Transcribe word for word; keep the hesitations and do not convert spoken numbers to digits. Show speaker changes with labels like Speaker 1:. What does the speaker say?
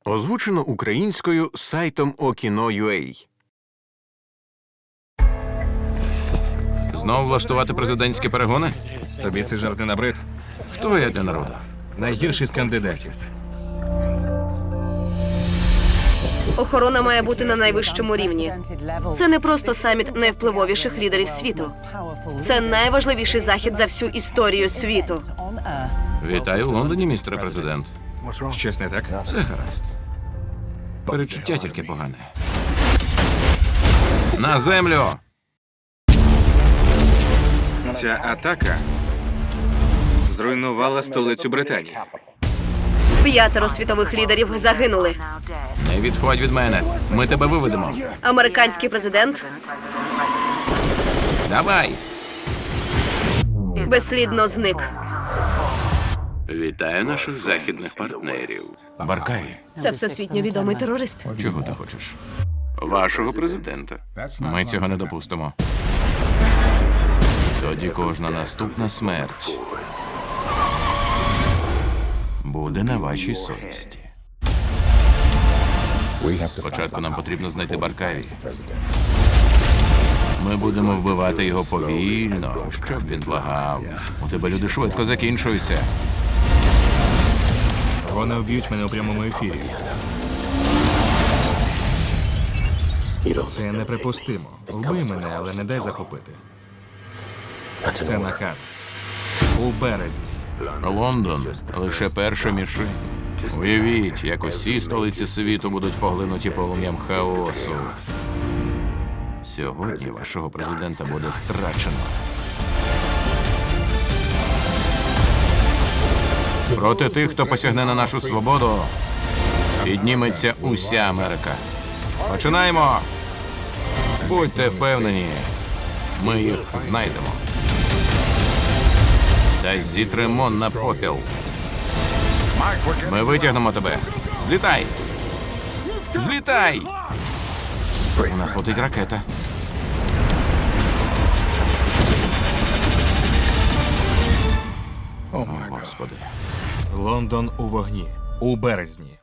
Speaker 1: Озвучено українською сайтом Okino.ua. Знов влаштувати президентські перегони?
Speaker 2: Тобі цей жарт не набрид?
Speaker 1: Хто я для народу?
Speaker 2: Найгірший з кандидатів.
Speaker 3: Охорона має бути на найвищому рівні. Це не просто саміт найвпливовіших лідерів світу. Це найважливіший захід за всю історію світу.
Speaker 1: Вітаю в Лондоні, містере президент.
Speaker 2: Щось не так?
Speaker 1: Все гаразд. Перечуття тільки погане. На землю!
Speaker 4: Ця атака зруйнувала столицю Британії.
Speaker 3: П'ятеро світових лідерів загинули.
Speaker 1: Не відходь від мене. Ми тебе виведемо.
Speaker 3: Американський президент
Speaker 1: Давай!
Speaker 3: безслідно зник.
Speaker 1: Вітаю наших західних партнерів. Баркай,
Speaker 3: Це всесвітньо відомий терорист.
Speaker 1: чого ти хочеш? Вашого президента. Ми цього не допустимо. Тоді кожна наступна смерть буде на вашій совісті. Спочатку нам потрібно знайти Баркаві. Ми будемо вбивати його повільно, щоб він благав. У тебе люди швидко закінчуються.
Speaker 2: Вони вб'ють мене у прямому ефірі. Це неприпустимо. Вбий мене, але не дай захопити. Це наказ. У березні.
Speaker 1: Лондон – лише перша мішень. Уявіть, як усі столиці світу будуть поглинуті полум'ям хаосу. Сьогодні вашого президента буде страчено. Проти тих, хто посягне на нашу свободу, підніметься уся Америка. Починаємо! Будьте впевнені, ми їх знайдемо. Та зітримо на попіл. Ми витягнемо тебе. Злітай! Злітай! У нас летить ракета. О, Господи.
Speaker 2: Лондон у вогні. У березні.